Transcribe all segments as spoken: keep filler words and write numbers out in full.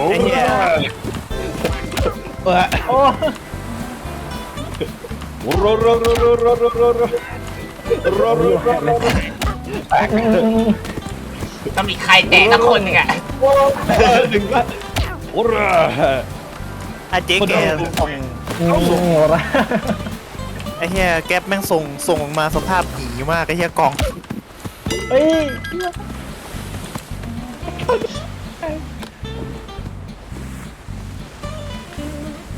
ไอ้เหี้ยเออโอ้โรโรโรโรโรโรโรโรโรโรโรโรต้องมีใครแตะสักคนหนึ่งอะหนึ่งละโอ้โหไอ้เจ๊แกส่งโหละไอ้เหี้ยแก๊ปแม่งส่งส่งมาสภาพหนีมากไอ้เหี้ยกล่องเฮ้ย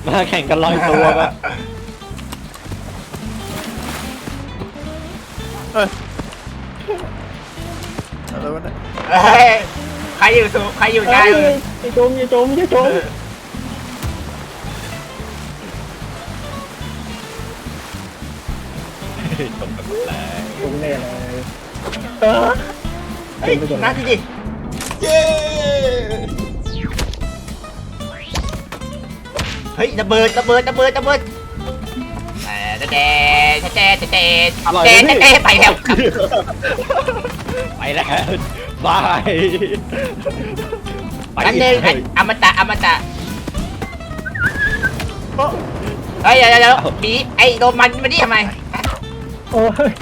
มาแข่งกันลอยตัวปะเอ้ยอะไรวะเนี่ยเฮ้ยใครอยู่สูงใครอยู่ใต้เอ้ยอย่าจมอย่าจมอย่าจม จมกันหมดแล้วตรงแน่เลยเฮ้ยนัดดิเย้เฮ้ยระเบิดระเบิดระเบิดระเบิดแต่แต่แต่แต่แต่อร่อยแต่ไหมแต่พี่ไปแล้วครับไปแล้วบายไปอันหอีนึงกไอ้อมตะอมตะเฮ้ยเดี๋ยวเดี๋ยวเดี๋ยวบีไอ้โดมันมาดิทำไมโอ้ย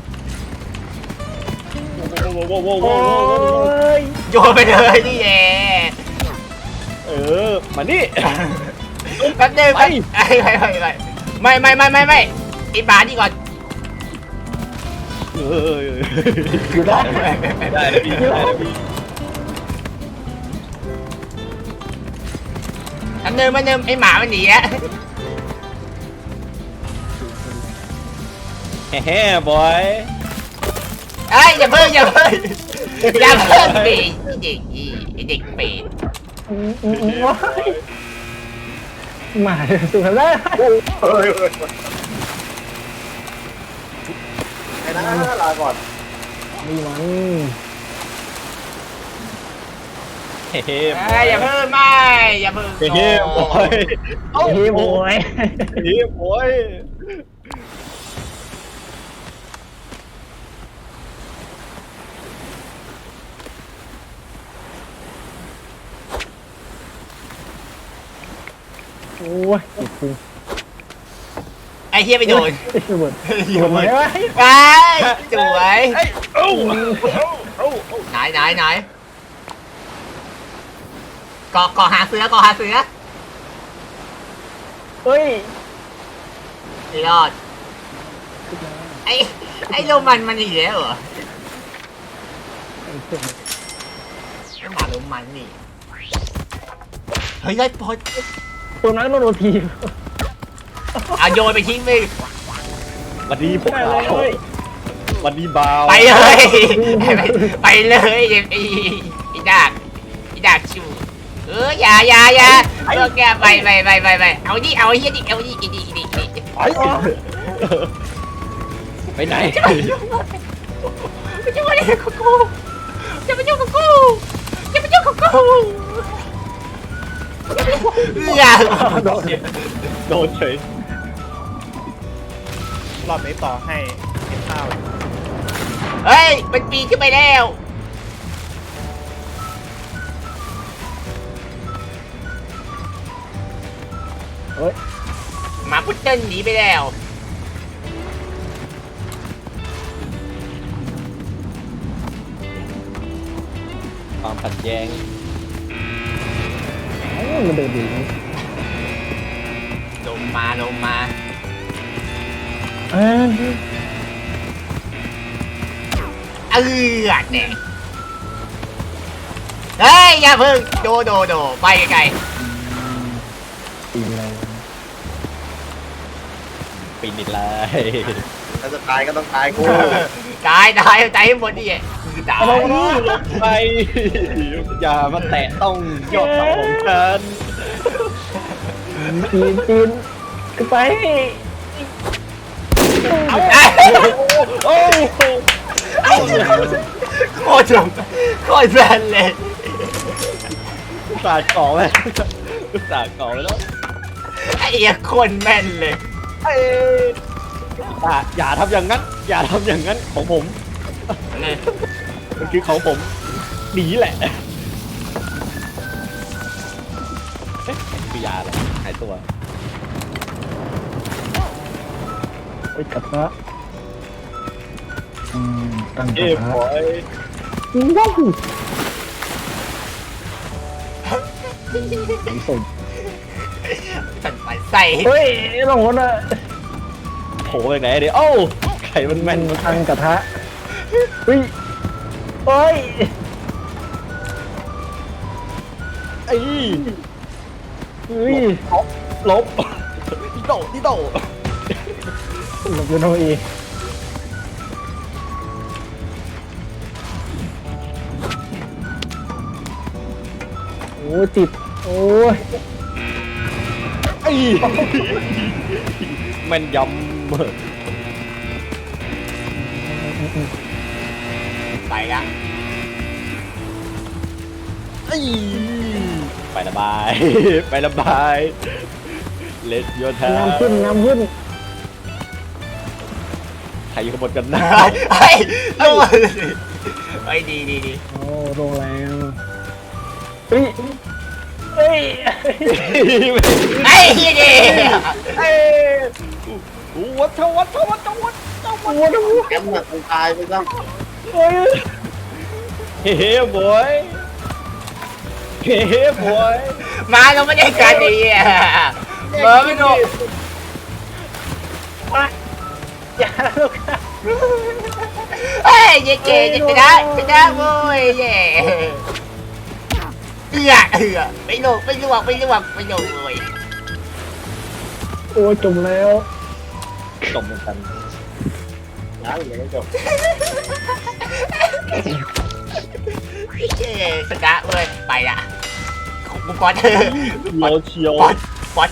โว้โว้โว้โว้โอ้โว้โว้โว้ยโยนไปเลยนี่แย่เออมานี่แป๊บนึงไปไปไม่ไม่ไม่ไม่ไม่ไม่ไอ้บานี่ก่อนเอออยู่ได้ได้แล้วพี่ได้แล้วพี่แป๊บนึงแป๊บนึงไอ้หมามันหนีแล้วแฮ่บอยเอ้ยอย่าเพิ่งอย่าเพิ่งอย่าเพิ่งปีไอ้เด็กอีไอ้เด็กเป็ดอืมอืมอืมโอ้ยหมาสุดแล้วเฮ้ยไอ้นะลาก่อนนี่มันเฮ้เอ้ยอย่าเพิ่งไม่อย่าเพิ่งเฮ้บอยเฮ้ยโว้ยเฮ้บอยโอ้ยติดจริงไอ้เฮียไปโดนระเบิดโยระเบิดนไหมวะไปสวยเอ้าเอ้าไหนไหนไหนเกาะเกาะหาเสือเกาะหาเสือเฮ้ยไอ้รอดไอ้ไอ้โรมันมันอีกแล้วเหรอไอ้หมาโรมันนี่เฮ้ยได้พอตัวนั้นโดนทีเอาโยนไปทิ้งไปวันนี้พวกเราวันนี้บาวไปเลยไปไปเลยไอ้ไอ้ไอ้ดากไอ้ดากชูเอออย่าอย่าอย่าเลิกแกไปไปไปไปไปเอาดิเอาเฮียดิเอาดิอีดิอีดิอีดิไปไปไหนไม่ยุ่งอะไรกับกูอย่ามายุ่งกับกูอย่ามายุ่งกับกูอย่าโดนเฉยรอบนี้ต่อให้เก็บข้าวเฮ้ยมันปีนขึ้นไปแล้วเฮ้ยหมาพุดเดิ้ลหนีไปแล้วความขัดแย้งมันเดินดีลงมาลงมาเออเออเนี่ยเฮ้ยอย่าเพิ่งโดโดโดไปไกลตีเลยปีนิดเลยถ้าจะตายก็ต้องตายกูๆตายตายตายให้หมดดิคือตายไปอย่ามาแตะต้องยอดเสาของฉันจีนจีนขึ้นไปเอาโอ้โหโคตรโคตรแบนเลยอุตส่าห์ก่อไว้อุตส่าห์ก่อไว้แล้วไอ้เหี้ยคนแม่นเลยเอ้ยอย่าอย่าทำอย่างนั้น อย่าทำอย่างนั้นของผมเนี่ยมันคือของผมหนีแหละเอ๊ะคือยาเหรอหายตัวไปกระทะอืมตั้งกเอ้ระยทะบอยว้าวผมส่งสันปันใส่เฮ้ยลงรถอะโผล่ไปไหนเดี๋ยวโอ้าไข่มันแม่นตั้งกระทะเฮ้ยเฮ้ยไอ้เฮ้ยลบดิโดดิโดหลบยูโนอีโอ้ติดโอ้ยไอ้แม่นยำไปละไอ้ไประบาย ไประบาย เลสโยธาน้ำขึ้นน้ำขึ้นใครอยู่ขบวนกันนะไอ้ลงมาไอ้ดีดีดีโอ้ลงแล้วเฮ้ยเฮ้ยไอ้เฮียดีเอ้วัดเทวัดเทวัดเทวัดเทวัดโอ้โหแกมแบบตายไปซะโอ้ยเฮ้บอยเฮ้บอยมาเราไม่ได้กันดีอ่ะเบอร์ไม่ถูกอย่าลูกเฮ้ยเย่เย่จะชนะชนะโว้ยเย่เอือเอือไม่ลงไม่ลวกไม่ลวกไม่ลงเลยโอ้ยจมแล้วจบเหมือนกันยังยังไม่จบเย่ชนะเว้ยไปละกูป๊อตโลเชียวป๊อตป๊อต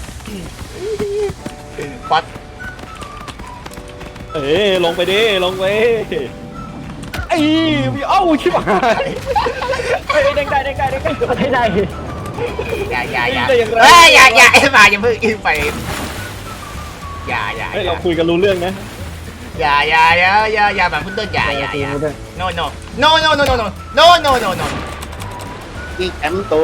ป๊อตเอ้ลงไปดิลงไปไอ้มีเอ้าชิบหายเฮ้ยเด้งได้เด้งได้เด้งได้ให้ได้อย่าอย่าอย่าเฮ้ยอย่าอย่าไอ้มาอย่าเพิ่งอินไปอย่าอย่าเฮ้ยเราคุยกันรู้เรื่องนะอย่าอย่าอย่าอย่าอย่าแบบพุ่งต้นอย่าอย่าอย่า no no no no no no no no no no no อีกแอมโต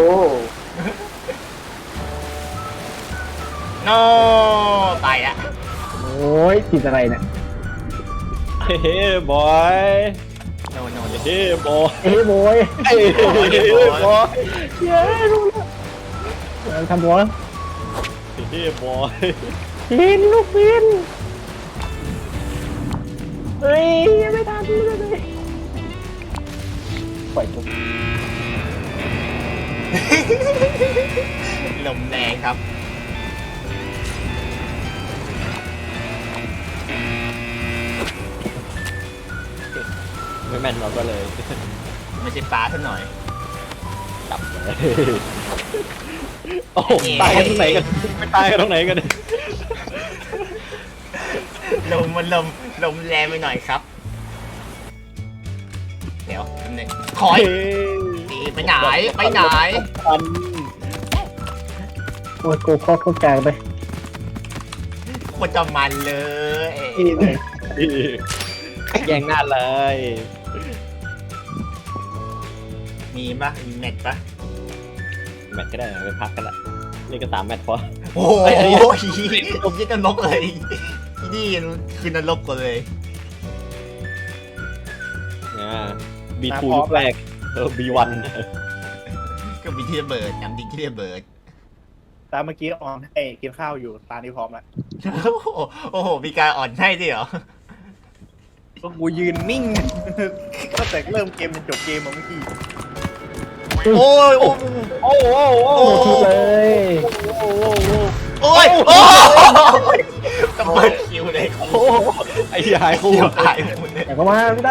no ไปละโอ้ยติดอะไรเนี่ยเฮ้บอย no no เฮ้บอยเฮ้ยโบยเฮ้บอยเย้ลูกทำบอลเฮ้บอยบินลูกบินเฮ้ยไม่ทันเลยปล่อยจุกลมแรงครับไม่แม่นเราก็เลยไม่ใช่ปลาซะหน่อยจับเลยโอ้โหตายกันตรงไหนกันไม่ตายกันตรงไหนกันลมมันลมลมแรงไปหน่อยครับเดี๋ยวนิดนึงคอยดีไปไหนไปไหนปันโอ้ยกูคอเข้ากลางไปโคตรจะมันเลยแย่งหน้าเลยมีปะมีแมทปะแมตช์ก็ได้ไปพักกันละนี่ก็สามแมตช์พอโอ้โหเอ้ยอันนี้ผมยึดนรกเลยที่นี่คือนรกกว่าเลยอ่าบีทูยุคแรกเออบีวันก็มีที่ระเบิดน้ำดินที่ระเบิดตามเมื่อกี้ออนให้กินข้าวอยู่ตานี้พร้อมแล้วโอ้โหโอ้โหมีการอ่อนให้ด้วยเหรอก็กูยืนนิ่ง ตั้งแต่เริ่มเกมจนจบเกมมาเมื่อกี้โอ้ยโอ้ยโอ้โหโอ้โอ้โหทุกเลยโอ้โหโอ้ยโอ้ยตะเบิดคิวเลยโอ้โหไอ้ยายคู่คิวหายหมดเลยแต่ก็มาไม่ได้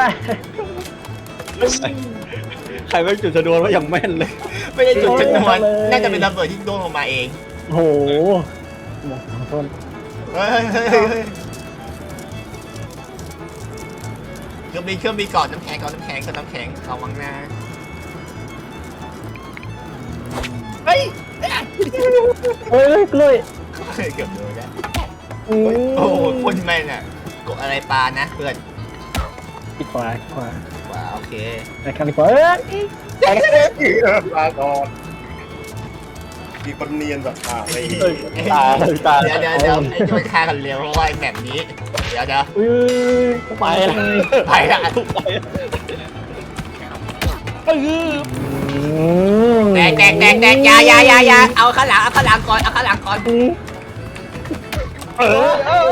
ใครไม่จุดชนวนว่าอย่างแม่นเลยไม่ได้จุดชนวนน่าจะเป็นระเบิดที่โดนลงมาเองโอ้โหหมดขอโทษเฮ้ยเฮ้ยเฮ้ยเฮ้ยเครื่องบินเครื่องบินก่อนน้ำแข็งก่อนน้ำแข็งก่อนน้ำแข็งระวังนะเฮ้ยเฮ้ยกล้วยเกือบโดนแล้วอืมโอ้โหคนแม่นอ่ะกดอะไรปลานะเพื่อนอีกขวาอีกขวาว้าโอเคไปกันดีกว่าเอ้ยลาก่อนมีคนเนียนแบบอ่าไปตาตาเดี๋ยวเดี๋ยวเดี๋ยวไอ้จะไปฆ่ากันเร็วเพราะว่าไอ้แบบนี้ เดี๋ยวเดี๋ยวอุ้ยไปละไปละไปเออแตกแตกแตกแตกอยาอยาอยาอยาเอาข้างหลังเอาข้างหลังก่อนเอาข้างหลังก่อนเออเออ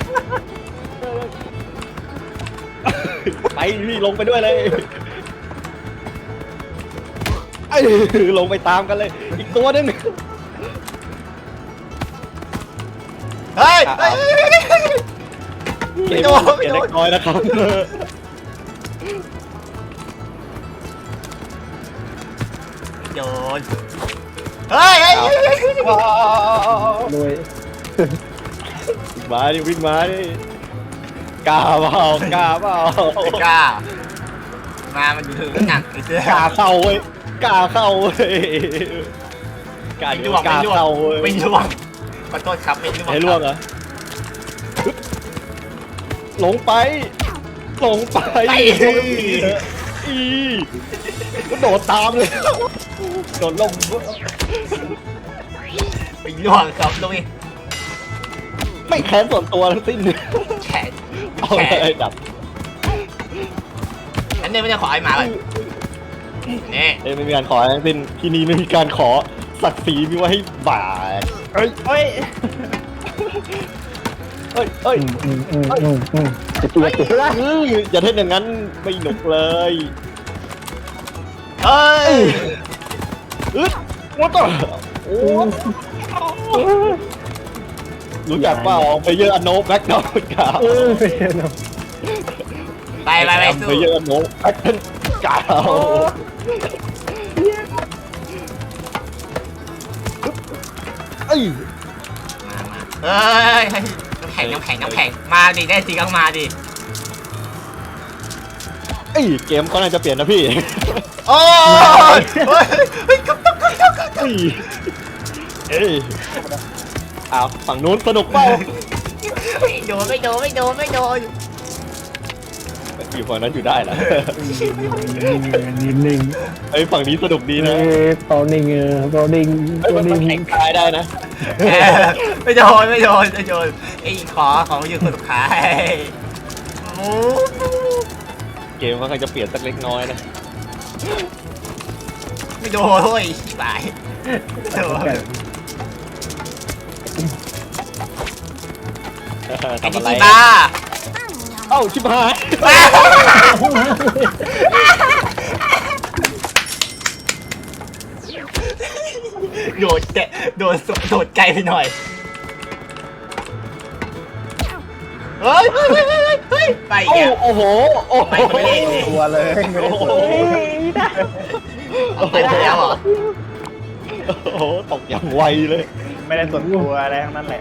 ไปพี่ลงไปด้วยเลยไอ้ลงไปตามกันเลย อีกตัวนึงเฮ้ยเฮ้ยเกไม่มโดนเปลี่ยนเล็กน้อยนะครับโดนเฮ้ยเฮ้ยรวยมาดิวิ่งมาดิกล้าเปล่ากล้าเปล่าไม่กล้ามามันถือหนักไอ้เสื้อกล้าเข้าเว้ยกล้าเข้าเว้ยกล้าไม่เดี๋ยล่ววงกล้าไม่ล่วงเข้าเว้ยไม่ล่วงขอโทษครับไม่ล่วงให้ล่วงเหรอหลงไปหลงไปไปอีก็โดดตามเลยโดดลงไม่ล่วงครับลุงไม่แค้นส่วนตัวทั้งสิ้นแขนเอาแขเลยนดับฉันเนี่ยไม่ได้ขอให้มาเลยนี่เอ้ยไม่มีการขอทั้งสิ้นที่นี่ไม่มีการขอศักดิ์ศรีมีไว้ให้บ่าเอ้ยเอ้ยเอ้ยเอ้ยอืมอืมอืมอืมอืมจะเตียเตียละอื้ออย่าเท่นอย่างนั้นไม่หนุกเลยเฮ้ยอึ๊ดวัดต่อโอ้รู้จักเปล่าไปเยอะอันโนแบ็กดาวน์กาวเออไปเนาะไปไปไปสู้ไปเยอะอันโนแบ็กดาวน์กาวเอ้ยเฮ้ยน้ำแข็งน้ำแข็งน้ำแข็งมาดิได้จริงก็มาดิเอ้ยเกมก็น่าจะเปลี่ยนนะพี่โอ้ยเฮ้ยเฮ้ยกับกับกับกับเอ้ยเอ้ยอ้าวฝั่งนู้นสนุกเปล่าไม่โดนไม่โดนไม่โดนไม่โดนอยู่ฝั่งนั้นอยู่ได้เหรอนิ่งนิ่งไอ้ยฝั่งนี้สนุกดีเอนะอเปานิ่งเออเปานิ่งไอ้ยเปามันนิ่งแข่งตายได้นะเออไม่โดนไม่โดนไม่โดนไอ้ขอของอยู่คนสุดท้ายหมูเกมก็คงจะเปลี่ยนสักเล็กน้อยนะไม่โดนเฮ้ยชิบหายโดน ไอ้ทำนี่อะไรกีบ้าเอ้าชิบหายโดดแกะโดดสุดโดดไกลไปหน่อยเฮ้ยเฮ้ยเฮ้ยเฮ้ยเฮ้ยไปโอ้อีกแล้วโอ้โหโอ้โหไปไม่ได้เลยตัวเลยไม่ได้ตัวเอาไปแล้วเหรอโอ้โหตกอย่างไวเลยไม่ได้ส่วนตัวอะไรทั้งนั้นแหละ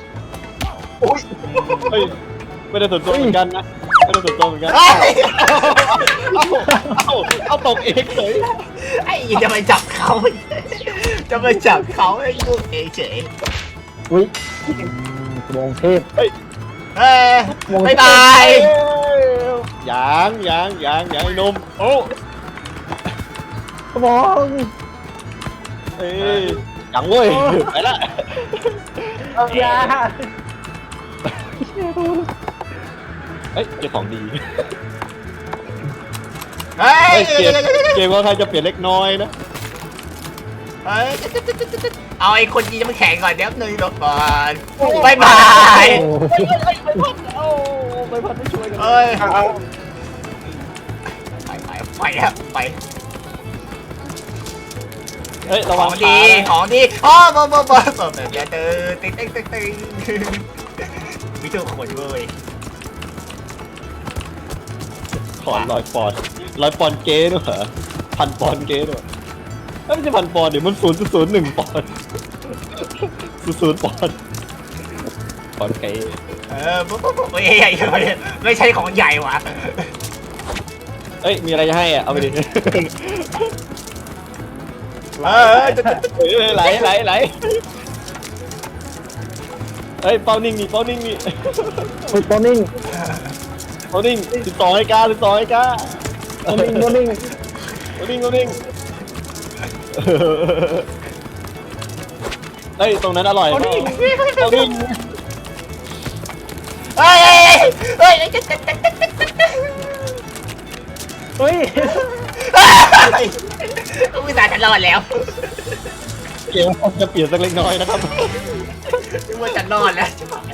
เฮ้ยไม่ได้ส่วนตัวเหมือนกันนะไม่ได้ส่วนตัวเหมือนกันเฮ้ยเอ้าเอ้าเอาตกเองเฉยไอ้จะไปจับเขาจะไปจับเขาไอ้ลูกเอเฉยอุ้ยมองเทพเฮ้ยบายบายยางยางยางยางไอ้หนมโอ้มองเอ้ยยังเว้ยไปละยาเอ้ยเจ้าของดีเฮ้ยเฮ้ยเกมเกมว่าใครจะเปลี่ยนเล็กน้อยนะเฮ้ยเอาไอ้คนยีน้ำแข็งก่อนเดี๋ยวหนึ่งหลบก่อนบายบายโอ้โอ้ไปพันไม่ช่วยกันเฮ้ยไปไปไปแล้วไปเฮ้ยระขวัอง งขาดีนะของดีอ๋อบ่บ่บ่บ่แบบนี้ตึ๊งตึ๊งตึ๊งตึ๊งตึ๊งมีทุกคนเว้ยขอนลอยปอนด์ลอยปอนด์เก้ด้วยเหรอพันปอนด์เก้ด้วยเอ้ยไม่ใช่พันปอนด์เดี๋ยวมันศูนย์ศูนย์หนึ่งปอนด์ศูนย์ศูนย์ปอนด์ปอนด์เก้เออบ่บ่บ่ไม่ใหญ่ไม่ใช่ของใหญ่ว่ะเอ้ยมีอะไรจะให้อ่ะเอาไปดิเออเอ้ยไหลไหลไหลเอ้ยเป้านิ่งนี่เป้านิ่งนี่ยเปานิ่งเป้านิ่งติดต่อให้กาติดต่อให้กาเปานิ่งเปานิ่งเป้านิ่งเป้านิ่งเอ้ยตรงนั้นอร่อยเปล่าเป้านิ่งเฮ้ยเฮ้ยเฮ้ยอุตส่าห์จะรอดแล้วเกมจะเปลี่ยนสักเล็กน้อยนะครับนึกว่าจะรอดแล้ว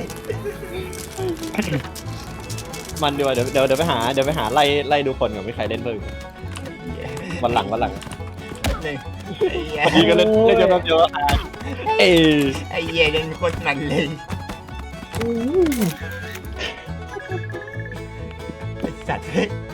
มันดีกว่าเดี๋ยวเดี๋ยวเดี๋ยวไปหาเดี๋ยวไปหาไล่ไล่ดูคนกับไม่ใครเล่นเพิ่งวันหลังวันหลังหนึ่งพอดีก็เล่นเล่นเดียวกันเดียวอ่ะเอ้ยไอ้เหี้ยยังโคตรมันเลยไอ้สัตว์เฮ้ย